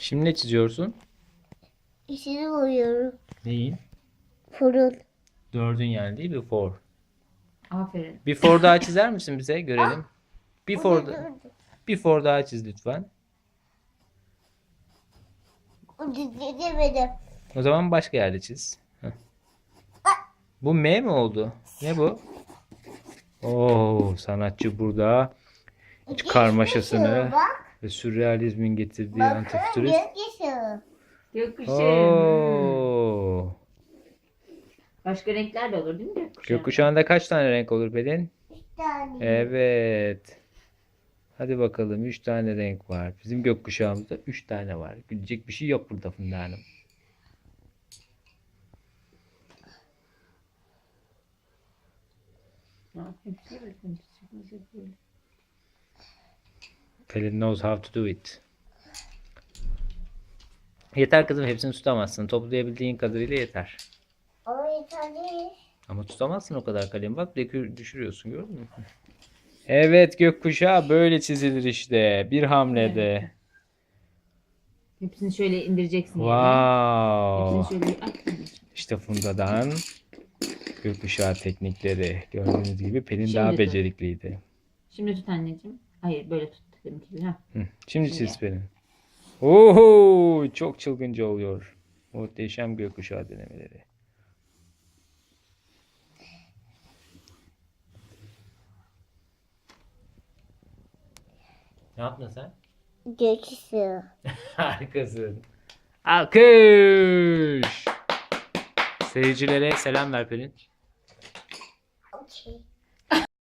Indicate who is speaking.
Speaker 1: Şimdi ne çiziyorsun?
Speaker 2: İçini koyuyorum.
Speaker 1: Neyin?
Speaker 2: Fırın.
Speaker 1: 4'ün yani değil mi? Before.
Speaker 3: Aferin.
Speaker 1: Before daha çizer misin bize? Görelim. Before,
Speaker 2: Dur, dur.
Speaker 1: before daha çiz lütfen.
Speaker 2: Demedim.
Speaker 1: O zaman başka yerde çiz. Heh. Bu M mi oldu? Ne bu? Oo, sanatçı burada karmaşasını
Speaker 2: Bak.
Speaker 1: ve sürrealizmin getirdiği
Speaker 2: Bakın
Speaker 1: antifütürist.
Speaker 2: gökyüzü.
Speaker 3: Gökkuşağı.
Speaker 1: Oo.
Speaker 3: Başka renkler de olur değil mi gökkuşağı?
Speaker 1: Gökkuşağında kaç tane renk olur Pelin?
Speaker 2: Bir tane.
Speaker 1: Evet. Hadi bakalım 3 tane renk var. Bizim gökkuşağımızda 3 tane var. Gülecek bir şey yok burada Funda Hanım.
Speaker 3: Ha, hepsi bakın. Çıkması böyle.
Speaker 1: Pelin knows how to do it. Yeter kızım, hepsini tutamazsın. Toplayabildiğin kadarıyla yeter.
Speaker 2: Ama yeter değil.
Speaker 1: Ama tutamazsın o kadar kalem. Bak düşürüyorsun, gördün mü? Evet, gökkuşağı böyle çizilir işte. Bir hamlede.
Speaker 3: Hepsini şöyle indireceksin yerine.
Speaker 1: Wow.
Speaker 3: Hepsini şöyle at.
Speaker 1: İşte Funda'dan gökkuşağı teknikleri. Gördüğünüz gibi Pelin
Speaker 3: Şimdi
Speaker 1: daha
Speaker 3: tut.
Speaker 1: becerikliydi.
Speaker 3: Şimdi tut anneciğim. Hayır böyle tut deminki gibi. Ha.
Speaker 1: Hı. Şimdi
Speaker 3: Şimdi.
Speaker 1: çiz Pelin. Oho, çok çılgınca oluyor. Muhteşem gökkuşağı denemeleri. Ne yaptın sen?
Speaker 2: Gökyüzü.
Speaker 1: Harikasın. Alkış. Seyircilere selam ver Pelin.